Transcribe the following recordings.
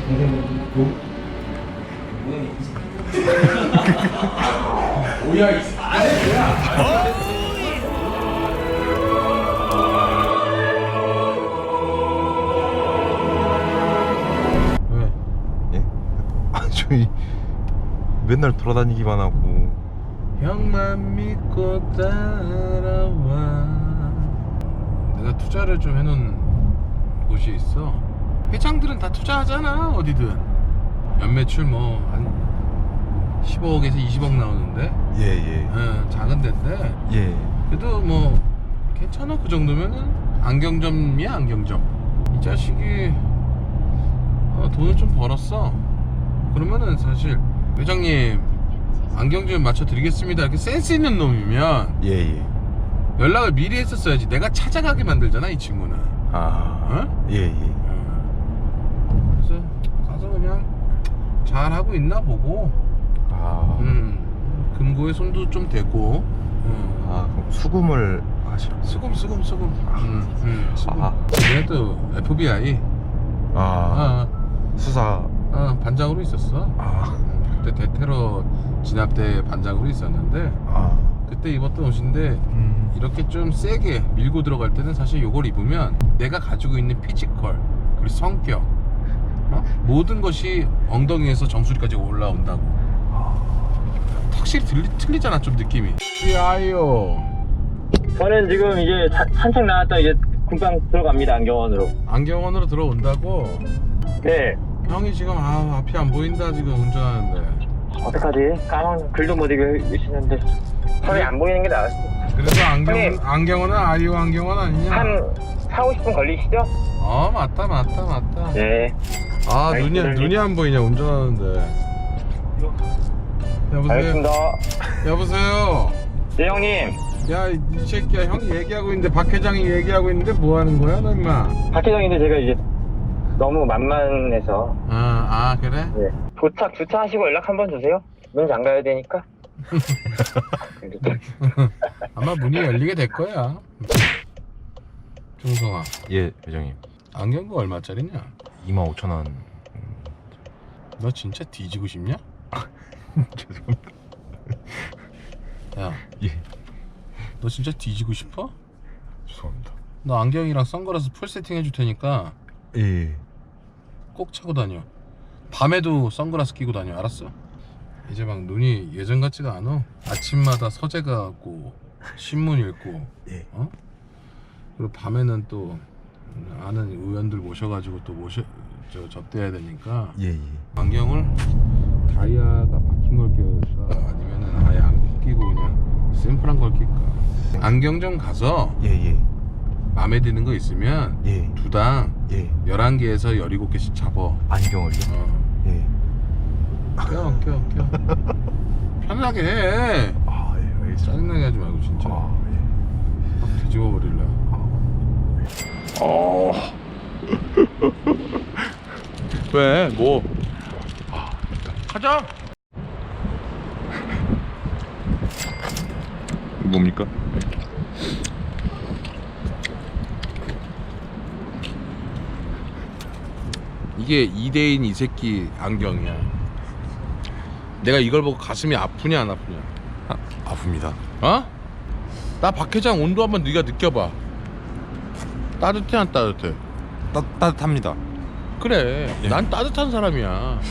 뭐야 이 안에 뭐야? 왜? 예? 아 저희 맨날 돌아다니기만 하고. 형만 믿고 따라와. 내가 투자를 좀 해놓은 곳이 있어. 회장들은 다 투자하잖아 어디든. 연매출 뭐 한 15억에서 20억 나오는데. 예예. 작은 데인데 예. 그래도 뭐 괜찮아. 그 정도면은 안경점이야. 안경점. 이 자식이 돈을 좀 벌었어. 그러면은 사실 회장님 안경점 맞춰드리겠습니다 이렇게 센스 있는 놈이면 예예. 연락을 미리 했었어야지. 내가 찾아가게 만들잖아 이 친구는. 아. 예예. 그래서 가서 그냥 잘하고 있나 보고. 아. 금고에 손도 좀 대고. 아 그럼 수금을 하시. 수금. 수금. 아. 얘도 FBI 아. 수사. 반장으로 있었어. 아. 그때 대테러 진압대 반장으로 있었는데 아. 그때 입었던 옷인데 이렇게 좀 세게 밀고 들어갈 때는 사실 요걸 입으면 내가 가지고 있는 피지컬 그리고 성격 모든 것이 엉덩이에서 정수리까지 올라온다고. 확실히 틀리잖아 좀 느낌이. 아요. 저는 지금 이제 산책 나왔다 이제 금방 들어갑니다. 안경원으로. 안경원으로 들어온다고? 네. 형이 지금 앞이 안 보인다 지금 운전하는데. 어떡하지? 까만 글도 못 읽으시는데 서리 안 보이는 게 나았어. 그래서 형님. 안경원은 아이오 안경원 아니냐? 한 4-50분 걸리시죠? 맞다. 네. 눈이 안 보이냐 운전하는데. 여보세요. 알겠습니다. 여보세요. 네 형님. 야 이 새끼야 형이 얘기하고 있는데 박 회장이 얘기하고 있는데 뭐 하는 거야 너 임마? 박 회장인데 제가 이제 너무 만만해서. 그래? 네. 주차하시고 연락 한번 주세요. 문 잠가야 되니까. 아마 문이 열리게 될 거야. 중성아 예 회장님. 안경가 얼마짜리냐? 25,000원. 너 진짜 뒤지고 싶냐? 죄송합니다. 야, 예. 너 진짜 뒤지고 싶어? 죄송합니다. 너 안경이랑 선글라스 풀 세팅 해줄 테니까 예. 꼭 차고 다녀. 밤에도 선글라스 끼고 다녀. 알았어? 이제 막 눈이 예전 같지가 않아. 아침마다 서재 가고 신문 읽고. 예. 그리고 밤에는 또 아는 의원들 모셔가지고 또 접대해야 되니까. 예. 안경을 다이아가 박힌 걸 끼울까 아니면은 아예 안 끼고 그냥 심플한 걸 낄까. 안경점 가서 예. 마음에 드는 거 있으면 예. 두당 예. 11개에서 17개씩 잡어. 안경을요? 예. 껴 편하게 해. 아 예. 알겠습니다. 짜증나게 하지 말고 진짜. 예. 확 뒤집어 버릴래. 왜? 뭐? 가자. 뭡니까? 이게 2대인 이 새끼 안경이야. 내가 이걸 보고 가슴이 아프냐 안 아프냐? 아픕니다. 나 박 회장 온도 한번 네가 느껴봐. 따뜻해 안 따뜻해? 따뜻합니다. 그래. 예. 난 따뜻한 사람이야.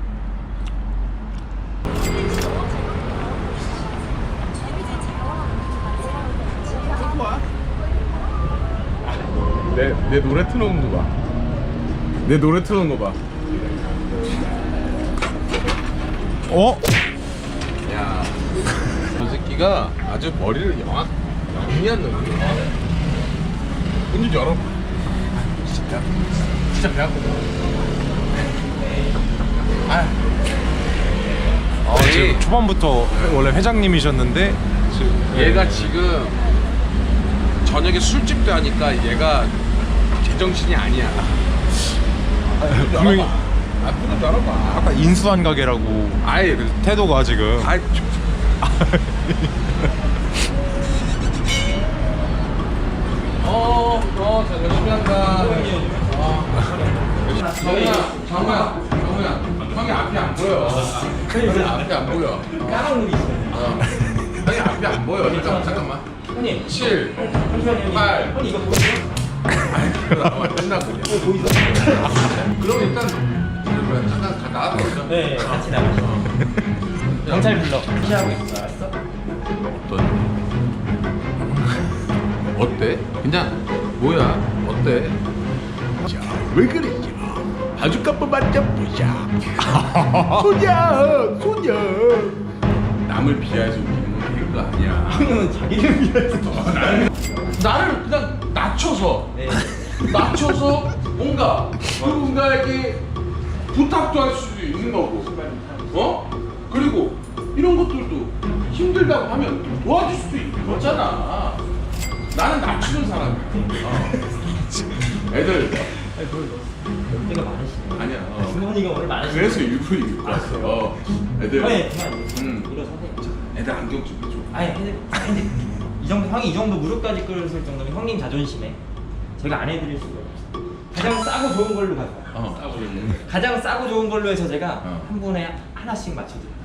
내 노래 틀어놓은 거 봐. 내 노래 틀어놓은 거 봐. 야, 저 새끼가 아주 머리를 영리한 놈이야. 문 좀 열어. 진짜 배 아프다. 지금 초반부터 원래 회장님이셨는데 지금 얘가 지금 저녁에 술집도 하니까 얘가 제정신이 아니야. 분명히 문을 열어봐. 아까 인수한 가게라고 아예 태도가 지금 자 열심히 한다. 정우야 앞이 안 보여. 까만 물이 있어요. 형이 앞이 안 보여. 잠깐만. 형님 7, 잠시만요. 8. 형님 이거 보이세요? 끝나고. 보이세요? 그럼 일단 잠깐 나와서 있어. 네 같이 나가죠. 경찰 불러. 무시하고 있어. 알았어? 어때? 그냥 뭐야? 어때? 자, 왜 그랬지? 바주카포 만점 보자. 소녀. 남을 비하해서 웃기는 건 되는 거 아니야. 형님은 자기를 위해서. 나를 그냥 낮춰서 네. 뭔가 누군가에게 부탁도 할 수 있는 거고, 그리고 이런 것들도 힘들다고 하면 도와줄 수도 있는 거잖아. 나는 낮추는 사람이야. 애들 연대가 많으시네. 아니야. 주머니가 오늘 많으시네. 그래서 일부러 입고 왔어. 애들. 네, 그만 일어서세요. 애들 안경 좀 해줘. 아니 근데 이 정도 형이 이 정도 무릎까지 끌었을 정도면 형님 자존심에 제가 안 해드릴 수가 없어요. 가장 싸고 좋은 걸로 가져가요. 가장 싸고 좋은 걸로 해서 제가 한 분에 하나씩 맞춰드릴게요.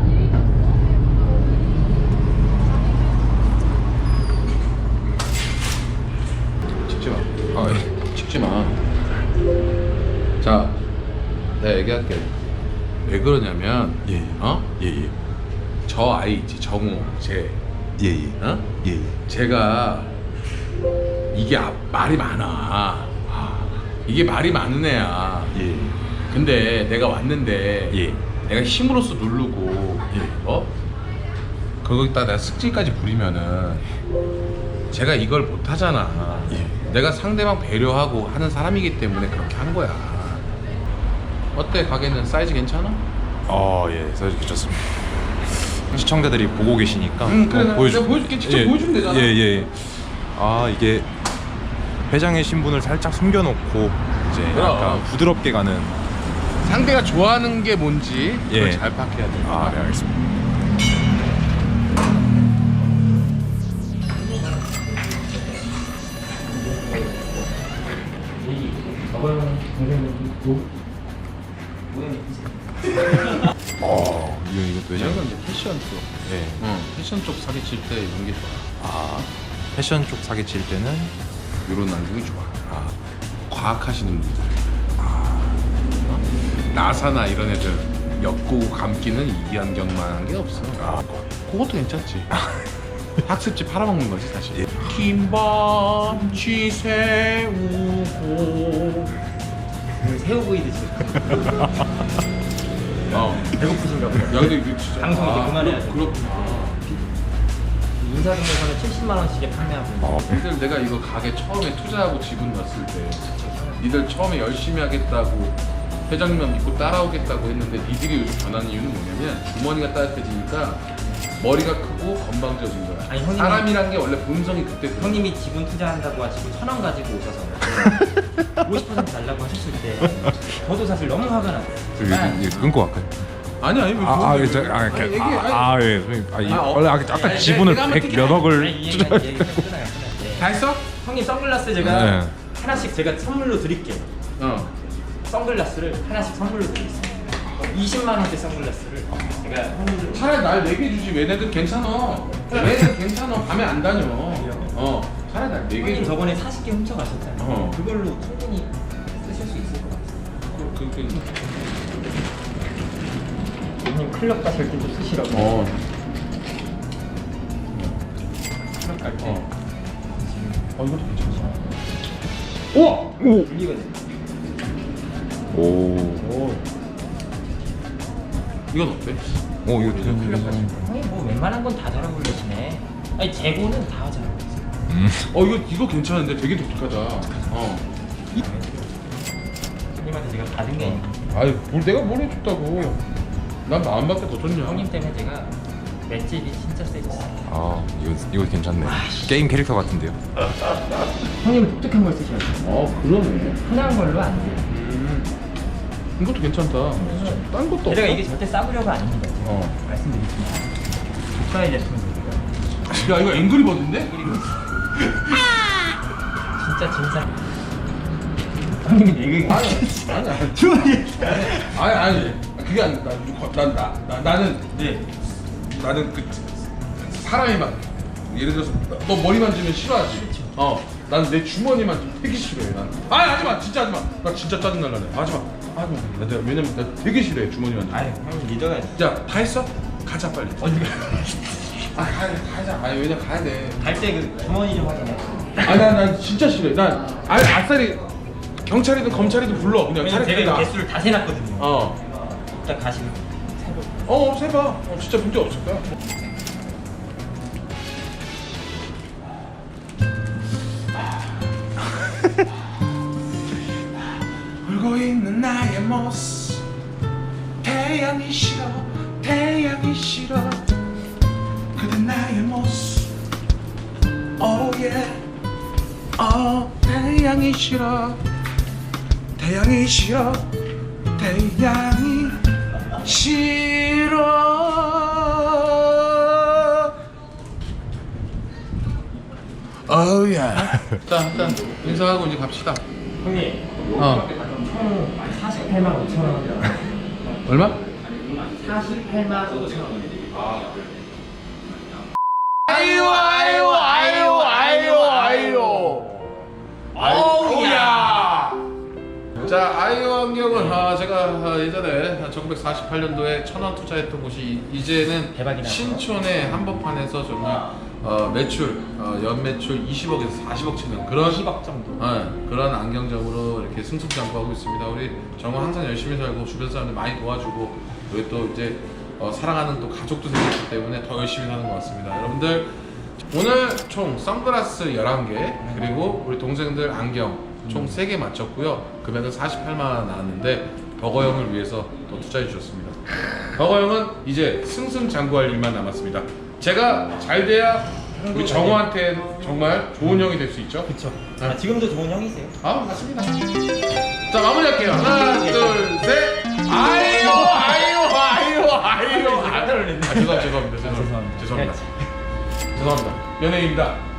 찍지 마. 찍지 마. 자, 내가 얘기할게. 왜 그러냐면, 예예 저 아이 있지, 정우, 쟤. 예예 예. 제가 이게 말이 많아. 이게 말이 많은 애야. 예. 근데 내가 왔는데 예. 내가 힘으로써 누르고 거기다 내가 습질까지 부리면은 제가 이걸 못 하잖아. 내가 상대방 배려하고 하는 사람이기 때문에 그렇게 한 거야. 어때? 가게는 사이즈 괜찮아? 예, 사이즈 괜찮습니다. 시청자들이 보고 계시니까 그래, 내가 보여줄게. 직접 보여주면 되잖아. 예. 이게 회장의 신분을 살짝 숨겨놓고 이제 그럼. 약간 부드럽게 가는. 상대가 좋아하는 게 뭔지 그걸 예. 잘 파악해야 돼. 네, 알겠습니다. 저번 동생은 모양이 이것도 회장. 이건 이제 패션 쪽. 예. 패션 쪽 사기칠 때 이런 게 좋아. 패션 쪽 사기칠 때는 이런 안경이 좋아. 과학하시는 분들. 나사나 이런 애들 엮고 감기는 이 안경만한 게 없어. 그것도 괜찮지. 학습지 팔아먹는 거지 사실. 김밥치 새우고. 새우구이 드시고 배고프신가 보다. 야 근데 이거 진짜. 방송 이제 그만해야죠. 그렇구나. 인사동에서는 70만 원씩에 판매하고 있는 니들 내가 이거 가게 처음에 투자하고 지분 넣었을 때 니들 처음에 열심히 하겠다고 회장님만 믿고 따라오겠다고 했는데 니들이 요즘 변하는 이유는 뭐냐면 주머니가 따뜻해지니까 머리가 크고 건방져진 거야. 아니, 형님이- 사람이란 게 원래 본성이 그때 그래. 형님이 지분 투자한다고 하시고 1,000원 가지고 오셔서 50% 달라고 하셨을 때 저도 사실 너무 화가 났어요. 끊고 갈까요? 아니야 이거 예. 원래 아까 지분을 내가 한번 100 몇 억을 끊어요. 다 했어? 형님 선글라스 제가 네. 하나씩 제가 선물로 드릴게요. 선글라스를 하나씩 선물로 드리겠습니다. 20만 원대 선글라스를 제가 선물로. 차라리 날 4개 주지. 얘네들 괜찮아. 얘네들 괜찮아. 밤에 안 다녀. 차라리 날 4개 형님 줘. 저번에 40개 훔쳐 가셨잖아요. 그걸로 충분히 쓰실 수 있을 것 같아요. 형님 클럽 가실 때도 쓰시라고. 클럽 갈 때. 이것도 괜찮아. 들리거든요. 이건 어때? 이거 형님 뭐 웬만한 건 다 잘 어울리시네. 아니 재고는 다 잘 어울리세요. 이거 괜찮은데 되게 독특하다. 형님한테 제가 받은 게 아유, 내가 뭘 해줬다고. 난 마음밖에 더 좋냐. 형님 때문에 제가 맷집이 진짜 세졌어요. 이거 괜찮네. 게임 캐릭터 같은데요. 형님은 독특한 걸 쓰셔야 돼요. 그러네. 흔한 걸로 안 돼요. 이것도 괜찮다. 딴 것도 없어. 제가 이게 절대 싸구려가 아닙니다. 말씀드리지만 고가의 제품입니다. 야, 이거 앵그리버드인데? 진짜 진상. 형님이 얘기 아니. 그게 아니라 나는 네. 나는 그 사람이 만 예를 들어서 너 머리 만지면 싫어하지. 난 내 주머니 만지면 되게 싫어해. 난. 하지마 진짜 하지마. 나 진짜 짜증 날라네. 하지마. 왜냐면 나 되게 싫어해 주머니 만지면. 아유 형님 믿어야지. 자, 다 했어? 가자 빨리. 어디 가자. 왜냐 가야 돼. 갈때 그 주머니 좀 확인해. 난 진짜 싫어해. 난 아싸리 경찰이든 검찰이든 불러. 그냥 왜냐면 차라리 제가 나. 개수를 다 세놨거든요. 일단 가시면 세봐. 진짜 문제 없을 거야. 울고 있는 나의 모습 태양이 싫어 그대 나의 모습 태양이 싫어 태양이 싫어 자, 일단 인사하고 이제 갑시다. 형님 총 48만 5천 원. 얼마? 48만 5천 원. 자, 아이오 안경은 제가 예전에 1948년도에 1,000원 투자했던 곳이 이제는 대박이 나서. 신촌의 한복판에서 정말 매출 연매출 20억에서 40억 치는 그런 20억 정도. 그런 안경점으로 이렇게 승승장구하고 있습니다. 우리 정말 항상 열심히 살고 주변 사람들 많이 도와주고 그리고 또 이제 사랑하는 또 가족도 생겼기 때문에 더 열심히 사는 것 같습니다. 여러분들 오늘 총 선글라스 11개 그리고 우리 동생들 안경 총 3개 맞췄고요. 금액은 48만 원 나왔는데 버거형을 위해서 또 투자해 주셨습니다. 버거형은 이제 승승장구할 일만 남았습니다. 제가 잘 돼야 우리 정우한테 정말 좋은 형이 될 수 있죠. 그쵸. 지금도 좋은 형이세요. 맞습니다. 자, 마무리할게요. 하나, 둘, 셋. 아이요. 죄송합니다. 연예인입니다.